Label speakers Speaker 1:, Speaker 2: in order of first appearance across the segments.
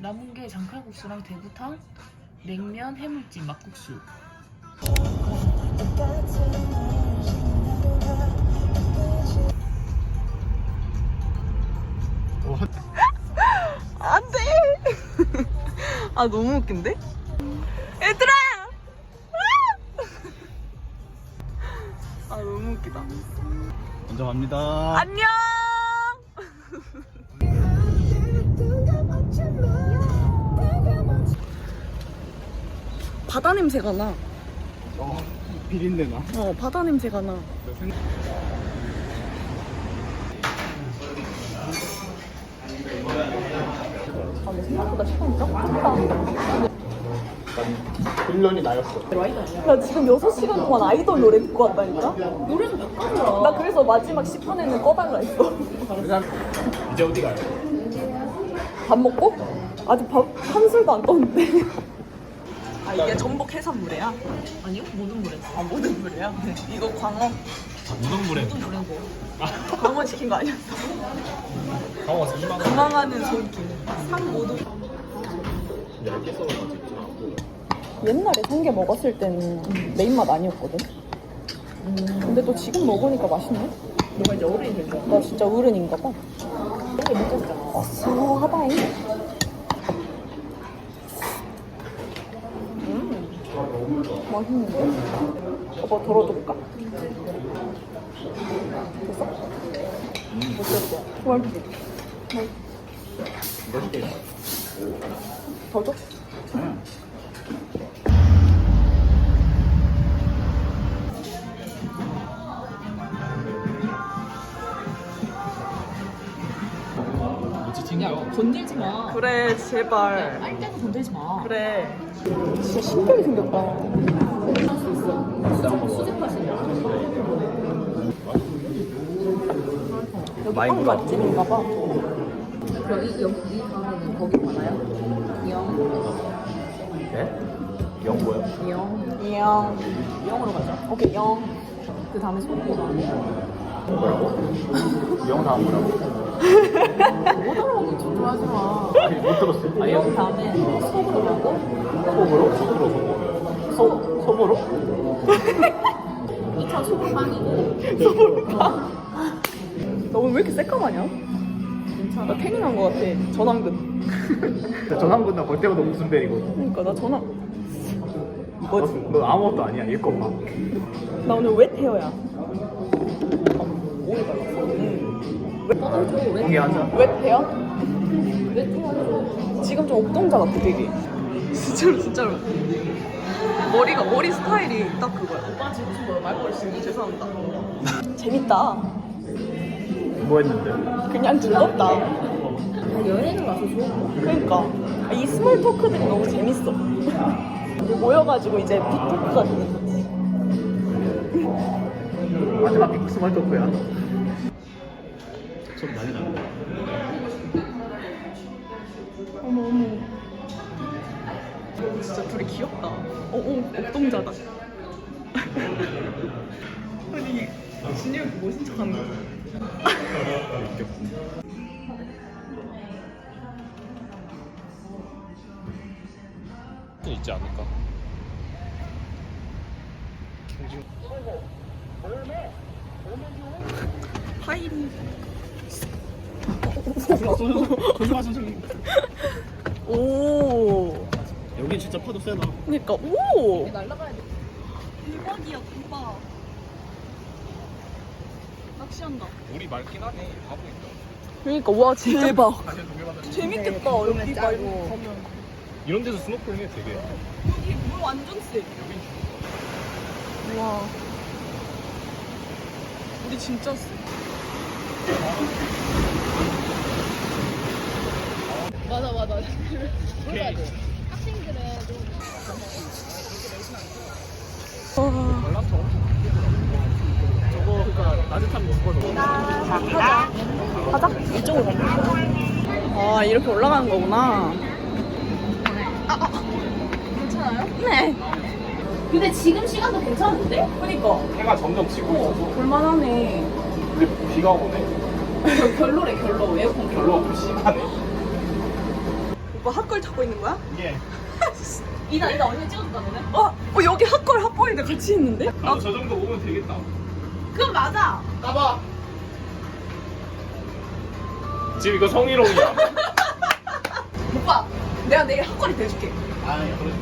Speaker 1: 남은 게 장칼국수랑 대구탕, 냉면, 해물찜, 막국수.
Speaker 2: 안 돼! 아, 너무 웃긴데? 얘들아! 아, 너무 웃기다.
Speaker 3: 먼저 갑니다.
Speaker 2: 안녕! 바다 냄새가 나.
Speaker 3: 비린내 나.
Speaker 2: 바다 냄새가 나. 아, 근데 생각보다 시간이 짧다.
Speaker 3: 훈련이 나였어.
Speaker 2: 나 지금 6시간 동안 아이돌 노래 듣고 왔다니까?
Speaker 1: 노래도 바꿔줘.
Speaker 2: 나 그래서 마지막 10분에는 꺼달라 했어.
Speaker 3: 이제 어디 가요?
Speaker 2: 밥 먹고? 아직 밥 한 술도 안 떴는데. 아, 이게 전복 해산물이야?
Speaker 1: 아니요? 모든 노래.
Speaker 2: 아, 모든 물이야? 네. 이거 광어.
Speaker 3: 무덤물에.
Speaker 1: 모든 노래고.
Speaker 2: 광어 시킨 거 아니었어?
Speaker 3: 강화 2만 원.
Speaker 2: 도망하는 손길. 상 모두.
Speaker 3: 10개 썰어가지고.
Speaker 2: 옛날에 성게 먹었을 때는 내 입맛 아니었거든. 근데 또 지금 먹으니까 맛있네.
Speaker 1: 너가 이제 어른이 된 거야.
Speaker 2: 나 진짜 어른인가 봐.
Speaker 1: 성게 못 잤잖아.
Speaker 2: 어수하다잉. 맛있는데? 오빠 덜어줄까? 됐어? 어땠어? 맛있지?
Speaker 3: 맛있게.
Speaker 2: 더 줘?
Speaker 3: 뭐지 챙겨?
Speaker 1: 건들지 마.
Speaker 2: 그래, 제발.
Speaker 1: 빨 때도 건들지 마.
Speaker 2: 그래. 진짜 신기하게 생겼다. 여기
Speaker 3: 많이
Speaker 2: 빵
Speaker 3: 먹어.
Speaker 2: 맛집인가 봐.
Speaker 1: 그럼 이 다음에는 거기 가나요? 이영.
Speaker 3: 네? 영 뭐야?
Speaker 1: 이영.
Speaker 2: 이영.
Speaker 1: 이영으로 가자.
Speaker 2: 오케이, 영.
Speaker 1: 그 다음에 소리가
Speaker 3: 뭐라고? 영 다음 뭐라고?
Speaker 1: 못 알아보고 좀 좋아하지 마.
Speaker 3: 아니 못 들었어.
Speaker 1: 이영 다음에 속으로 가고
Speaker 3: 속으로? 속으로 속으로. 속으로?
Speaker 1: 2차 속으로 빵이고.
Speaker 2: 너 오늘 왜 이렇게 새까마냐?
Speaker 1: 괜찮아.
Speaker 2: 나 태닝한 거 같아. 전완근.
Speaker 3: 전환군나 볼 때마다 웃음 때리고.
Speaker 2: 그러니까 나 전화. 이거지.
Speaker 3: 너 아무것도 아니야. 얘 거 봐.
Speaker 2: 나 오늘 웻 헤어야.
Speaker 1: 오일 발랐어? 왜? 왜?
Speaker 3: 공개하자.
Speaker 2: 웻 헤어?
Speaker 1: 왜 태워줘?
Speaker 2: 지금 좀 옥동자 같아 되게. 진짜로 진짜로. 머리 스타일이 딱 그거야.
Speaker 1: 오빠 지금 무슨 말버릇 쓰니?
Speaker 2: 죄송합니다. 재밌다.
Speaker 3: 뭐 했는데?
Speaker 2: 그냥 즐겁다.
Speaker 1: 아, 여행을 와서 좋은 거.
Speaker 2: 그러니까 이 스몰 토크들이 너무 재밌어. 모여가지고 이제 빅토크가 되는 거지.
Speaker 3: 마지막 빅 스몰 토크야. 좀 많이 나네.
Speaker 2: 어머 어머. 진짜 둘이 귀엽다. 옥동자다. 아니 진혁이 멋진 척하는 거야.
Speaker 3: 있지 않을까?
Speaker 2: 파이리.
Speaker 3: 조심하 선생님.
Speaker 2: 오.
Speaker 3: 여긴 진짜 파도 세다.
Speaker 2: 그러니까 오.
Speaker 1: 날라가야 돼.
Speaker 2: 대박이야 대박. 낚시한다.
Speaker 3: 물이 맑긴 하네. 다 보인다.
Speaker 2: 그러니까 와 대박.
Speaker 3: 다시 동해바다.
Speaker 2: 재밌겠다 여기 말고 가면.
Speaker 3: 이런 데서 스노클링 해 되게.
Speaker 2: 여기 물 완전 세. 와. 우리 진짜 세.
Speaker 1: 맞아.
Speaker 3: 오케이.
Speaker 2: 와.
Speaker 3: 연락처 저거 그니까 낮에 타면 죽어서.
Speaker 2: 가자. 이쪽으로 가자. 아 이렇게 올라가는 거구나.
Speaker 1: 괜찮아요?
Speaker 2: 네.
Speaker 1: 근데 지금 시간도 괜찮은데?
Speaker 2: 그니까
Speaker 3: 해가 점점 지고 있어서.
Speaker 2: 볼만하네.
Speaker 3: 근데 비가 오네.
Speaker 1: 결로래 결로 에어컨
Speaker 3: 별로 없고 심하네.
Speaker 2: 오빠 핫걸 타고 있는 거야?
Speaker 3: 예.
Speaker 1: 이나 언니 찍어줄까 너네?
Speaker 2: 여기 핫걸 핫걸인데 같이 있는데?
Speaker 3: 나도 저 정도 오면 되겠다.
Speaker 1: 그건 맞아.
Speaker 3: 까봐. 지금 이거 성희롱이야.
Speaker 2: 오빠 내가 내일 핫걸이 돼줄게.
Speaker 3: 아, 그래.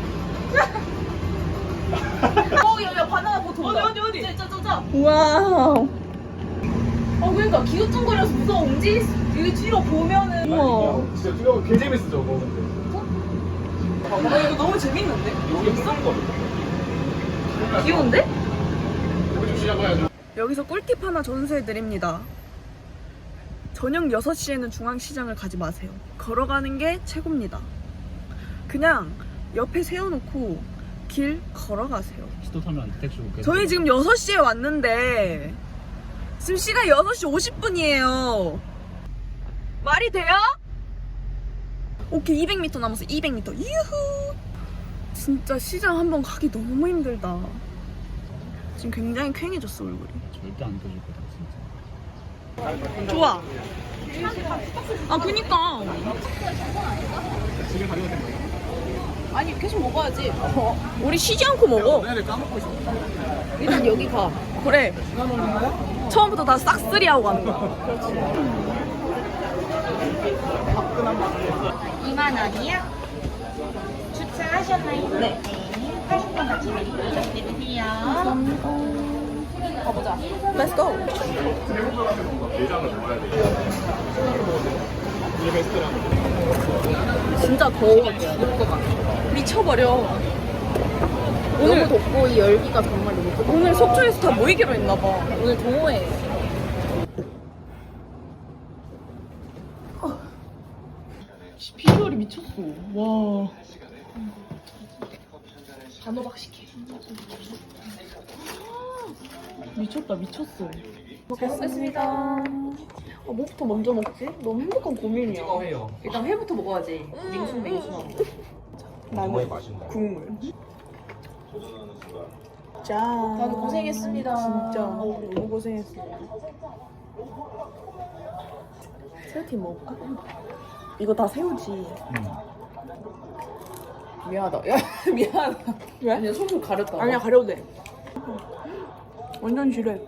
Speaker 1: 야 바나나 보트 온다. 어디? 저.
Speaker 2: 와우.
Speaker 1: 그러니까 기우뚱거려서 무서워. 이거 뒤로 보면은.
Speaker 2: 우와.
Speaker 3: 진짜 뛰어보면 개 재밌어 저거. 근데.
Speaker 2: 이거 너무 재밌는데?
Speaker 3: 여기 무슨 거?
Speaker 2: 귀여운데?
Speaker 3: 여기 좀 시작해야죠.
Speaker 2: 여기서 꿀팁 하나 전수해드립니다. 저녁 6시에는 중앙시장을 가지 마세요. 걸어가는 게 최고입니다. 그냥 옆에 세워놓고 길 걸어가세요.
Speaker 3: 시도 타면 안 돼. 택시 올게.
Speaker 2: 저희 지금 6시에 왔는데 지금 시간 6시 50분이에요. 말이 돼요? 오케이, 200m 남았어. 200m. 유후. 진짜 시장 한번 가기 너무 힘들다. 지금 굉장히 퀭해졌어 얼굴이.
Speaker 3: 절대 안 떠질 거다 진짜.
Speaker 2: 좋아. 아 그니까.
Speaker 3: 지금 가려도 된 거야?
Speaker 2: 아니 계속 먹어야지. 우리 쉬지 않고 먹어.
Speaker 3: 내가 까먹고 있어.
Speaker 1: 일단 여기 가.
Speaker 2: 그래. 처음부터 다 싹쓸이 하고 가는 거야.
Speaker 4: 2만 원이요? 주차하셨나요?
Speaker 2: 네.
Speaker 4: 80분 같이 드세요.
Speaker 2: 가보자. Let's go.
Speaker 3: 내장을 먹어야 돼. 이게 베스트라는
Speaker 2: 진짜 더워 죽을 것 같아. 미쳐버려. 오늘
Speaker 1: 덥고 이 열기가 정말 너무 뜨거워.
Speaker 2: 오늘 속초에서 다 모이기로 했나봐.
Speaker 1: 오늘 동호회. 비주얼이 미쳤어. 와. 단호박 시켜. 미쳤다, 미쳤어.
Speaker 2: 잘 먹겠습니다. 뭐부터 먼저 먹지? 너무 행복한 고민이야.
Speaker 3: 해요.
Speaker 1: 일단 회부터 먹어야지. 맹순하고.
Speaker 2: 나는
Speaker 3: 맛있네.
Speaker 2: 국물. 짠.
Speaker 1: 다들 고생했습니다.
Speaker 2: 진짜 너무 고생했어. 새우튀김 먹을까? 이거 다 새우지.
Speaker 1: 미안하다. 야, 미안하다.
Speaker 2: 왜?
Speaker 1: 아니야, 속을 가렸다.
Speaker 2: 아니야, 가려도 돼. 완전 지뢰.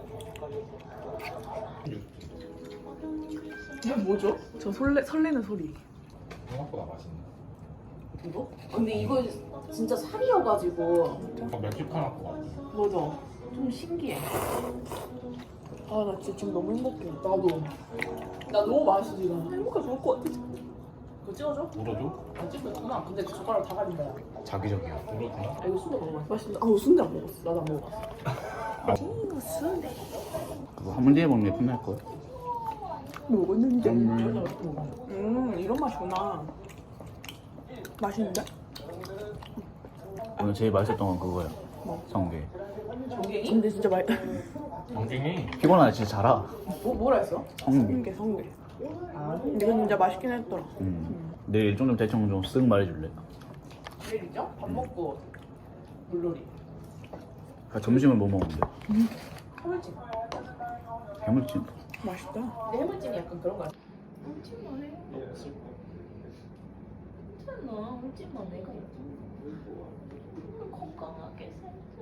Speaker 1: 이게 뭐죠?
Speaker 2: 저 설레는 소리.
Speaker 3: 생각보다 맛있네.
Speaker 1: 이거? 근데 이거 진짜 살이어가지고.
Speaker 3: 멕시카나 거 같아.
Speaker 1: 맞아. 좀 신기해.
Speaker 2: 아, 나 진짜 지금 너무 행복해.
Speaker 1: 나도. 나 너무 맛있어, 지금.
Speaker 2: 행복해 죽을 것 같아.
Speaker 1: 그거 찍어줘?
Speaker 3: 물어줘?
Speaker 1: 아, 찍었구나. 근데 그 젓가락 다 가린다. 야.
Speaker 3: 자기적이야. 물어주나?
Speaker 1: 아, 이거 수박 너무 맛있어.
Speaker 2: 맛있는데? 아, 순대 안 먹었어.
Speaker 1: 나도 안 먹어봤어.
Speaker 2: 이거 순대.
Speaker 5: 그거 한 번 뒤에 먹는 게 끝날 거야.
Speaker 2: 먹었는데?
Speaker 3: 음.
Speaker 2: 이런 맛이구나. 맛있는데?
Speaker 5: 오늘 제일 맛있었던 건 그거야.
Speaker 2: 뭐?
Speaker 5: 성게.
Speaker 1: 조갱이?
Speaker 2: 근데 진짜 맛있.
Speaker 3: 정갱이.
Speaker 5: 피곤하네 진짜 잘하.
Speaker 1: 뭐라 했어?
Speaker 5: 성게.
Speaker 2: 성게. 근데 이거 진짜 맛있긴 했더라.
Speaker 5: 내일 일정 좀 대충 좀 쓱 말해줄래?
Speaker 1: 내일이죠? 밥 먹고 물놀이.
Speaker 5: 아, 점심을 뭐 먹는데?
Speaker 1: 해물찜.
Speaker 5: 해물찜.
Speaker 2: 맛있다.
Speaker 1: 근데 해물찜이 약간 그런 거 같아. 찜만 해. 찜. 괜찮아. 찜만 내가 건강하게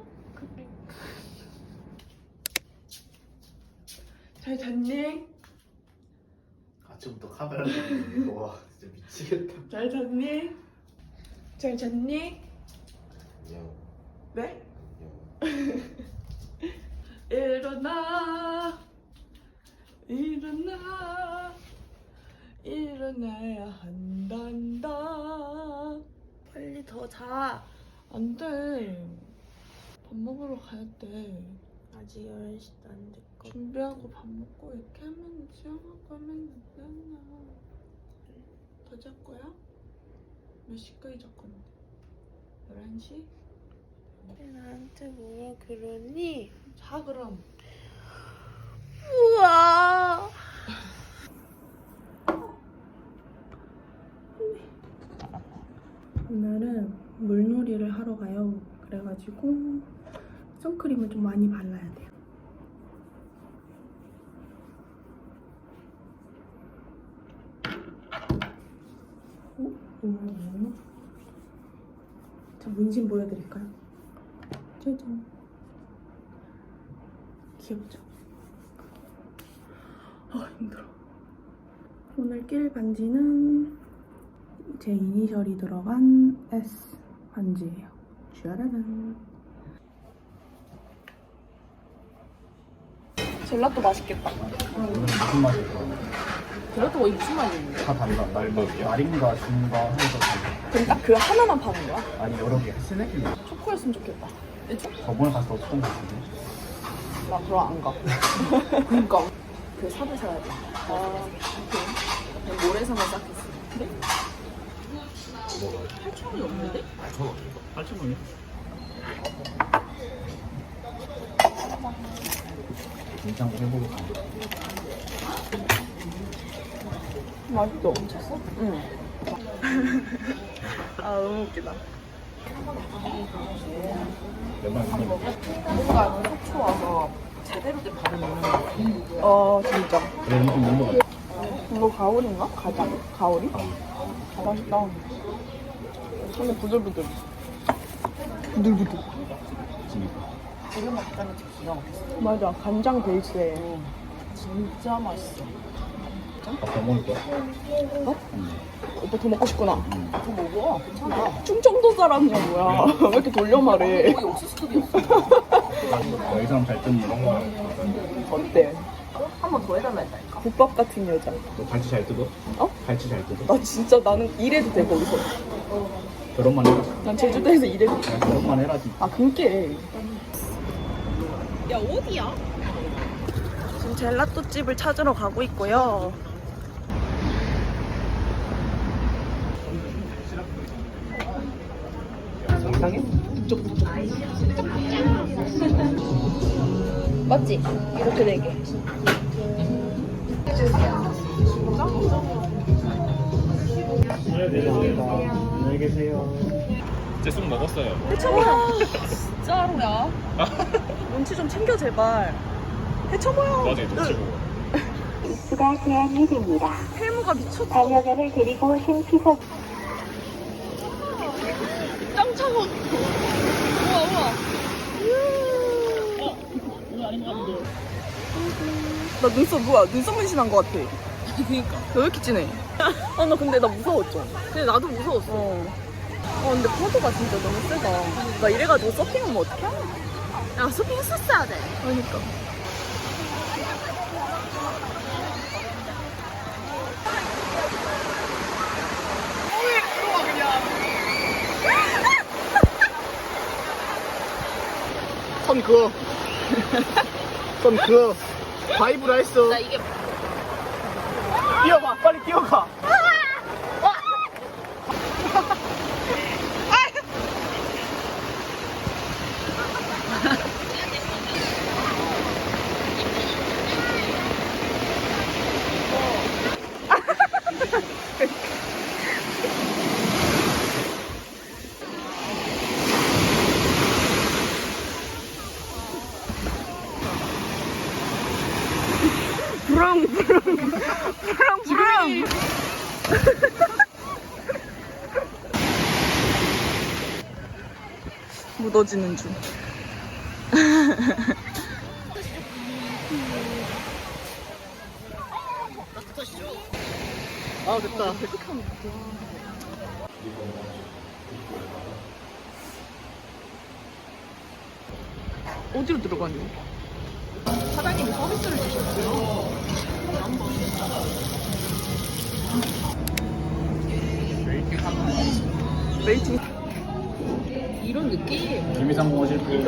Speaker 2: 잘 잤니?
Speaker 3: 아침부터 카메라 보고 와 진짜 미치겠다.
Speaker 2: 잘 잤니? 잘 잤니? 네? 일어나 일어나 일어나야 한단다. 빨리 더 자. 안 돼. 밥 먹으러 가야 돼. 아직 10시도 안 됐고. 준비하고 밥 먹고 이렇게 하면 수영하고 하면 되잖아. 더 잘 거야? 몇 시까지 잘 건데? 11시? 나한테 뭐라 그러니? 자 그럼. 우와. 오늘은 물놀이를 하러 가요. 그래가지고 선크림을 좀 많이 발라야 돼요. 자, 문신 보여드릴까요? 짜잔. 귀엽죠? 힘들어. 오늘 낄 반지는 제 이니셜이 들어간 S 반지예요. 슈아라란. 젤라또 맛있겠다.
Speaker 5: 무슨 맛이야?
Speaker 1: 젤라또가 이게 무슨 맛이야?
Speaker 5: 다 달라. 날인가 중가 해서 달라.
Speaker 2: 그럼 딱 그 하나만 파는 거야?
Speaker 5: 아니 여러 개. 스낵이
Speaker 2: 초코였으면 좋겠다.
Speaker 5: 저번에 갔을 때 처음 봤는데.
Speaker 2: 나 그럼 안 가. 그니까. 그 삽을 사야 돼. 아, 오케이. 모래사만 싹했어. 근데?
Speaker 5: 뭐가?
Speaker 2: 8,000원이 없는데?
Speaker 5: 8,000원이야? 냉장고 해보겠다.
Speaker 2: 맛있어. 쳤어? 응. 아, 너무 웃기다.
Speaker 5: 몇만 원?
Speaker 1: 뭔가 속초 와서 제대로 된 밥을 먹는 거.
Speaker 2: 진짜.
Speaker 5: 그래 음식 먹는 거 같아.
Speaker 2: 이거 가오리인가? 가자. 가오리? 맛있다. 손에 부들부들. 부들부들.
Speaker 1: 이런 맛 있다는 게 기가 막혔어.
Speaker 2: 맞아. 간장 베이스에.
Speaker 1: 진짜 맛있어.
Speaker 5: 더 먹을 거야?
Speaker 2: 오빠 더 먹고 싶구나.
Speaker 1: 더 먹어. 괜찮아.
Speaker 2: 충청도 사람이야 뭐야. 왜 이렇게 돌려 말해.
Speaker 1: 거의 옥수수급이었어.
Speaker 5: 이 사람 잘 뜯는 거.
Speaker 2: 어때?
Speaker 1: 한 번 더 해달라 했다니까.
Speaker 2: 국밥 같은 여자.
Speaker 5: 너 갈치 잘 뜯어?
Speaker 2: 어?
Speaker 5: 갈치 잘 뜯어?
Speaker 2: 나 진짜 나는 일해도 돼 거기서.
Speaker 5: 결혼만 해라.
Speaker 2: 난 제주도에서 일해도 돼.
Speaker 5: 야, 결혼만 해라지.
Speaker 2: 아 그니까. 야 어디야? 지금 젤라또 집을 찾으러 가고 있고요.
Speaker 5: 정상해?
Speaker 2: 맞지? 이렇게 네 개.
Speaker 5: 안녕히 계세요.
Speaker 3: 제 쑥 먹었어요.
Speaker 2: 해쳐보야. 진짜로야. 눈치 좀 챙겨 제발. 해쳐보야.
Speaker 3: 나중에 놓치고.
Speaker 6: 수가 제한이 됩니다.
Speaker 2: 해무가 미쳤어.
Speaker 6: 반려견을 데리고 오신 피서
Speaker 2: 짱 차워. 우와 우와. 나 눈썹 뭐야? 눈썹 문신한 것 같아.
Speaker 1: 그니까.
Speaker 2: 너 왜 이렇게 진해? 아 나 근데 나 무서웠죠.
Speaker 1: 근데 나도 무서웠어.
Speaker 2: 근데 파도가 진짜 너무 세다. 나 이래가지고 서핑하면 어떡해?
Speaker 1: 야, 쇼핑했었어야 돼.
Speaker 2: 그러니까.
Speaker 5: 선 그어. 선 그어. 바이브라 했어.
Speaker 1: 나 이게
Speaker 5: 뛰어가. 빨리 뛰어가.
Speaker 2: 부릉. 묻어지는 중.
Speaker 5: 아 됐다.
Speaker 2: 어디로 들어가니? 사장님이 서비스를 주셨어요. 웨이팅.
Speaker 1: 이런 느낌.
Speaker 5: 김이상 오실 분.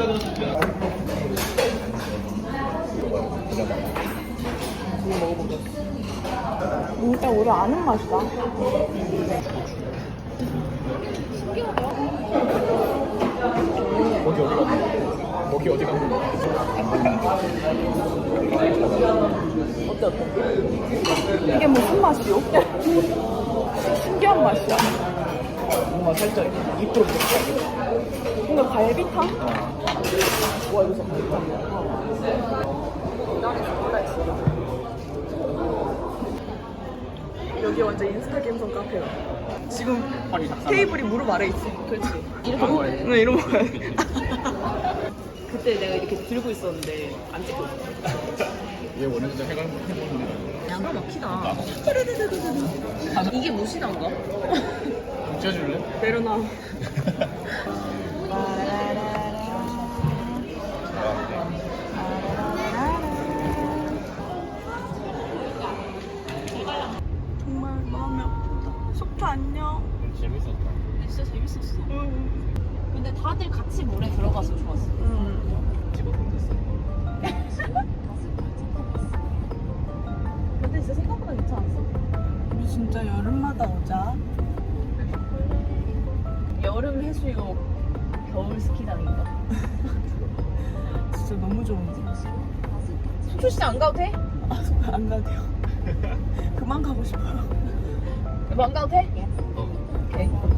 Speaker 2: 진짜 우리 아는 맛이다.
Speaker 5: 거기 어디 간 거야?
Speaker 2: 어때? 이게 무슨 맛이요? 신기한 맛이야.
Speaker 5: 뭔가 살짝 2% 들어가.
Speaker 2: 근데 갈비탕? 와 여기서 갈비탕. 여기 완전 인스타 감성 카페야. 지금
Speaker 5: 허리 작살.
Speaker 2: 테이블이 무릎 아래 있어.
Speaker 1: 그렇지. 이렇게
Speaker 5: 바로 와야 돼.
Speaker 2: 네, 이러고 가야 돼.
Speaker 1: 그때 내가 이렇게 들고 있었는데 안 찍고 있었어.
Speaker 5: 얘 원래부터 해보는데.
Speaker 1: 양가 막히다. 이게 무시단가?
Speaker 5: 붙여줄래?
Speaker 2: 내려놔. 정말 마음이 아프다. 속초 안녕.
Speaker 5: 재밌었다.
Speaker 1: 진짜 재밌었어. 근데 다들 같이 물에 들어가서 좋았어.
Speaker 5: 집어넣으면 됐어.
Speaker 1: 근데 진짜 생각보다 괜찮았어.
Speaker 2: 우리 진짜 여름마다 오자.
Speaker 1: 여름 해수욕, 겨울 스키장인가?
Speaker 2: 진짜 너무 좋은데.
Speaker 1: 속초시장 안 가도 돼?
Speaker 2: 안 가도 돼요. 그만 가고 싶어요.
Speaker 1: 안 가도 돼?
Speaker 5: 어.
Speaker 1: 오케이.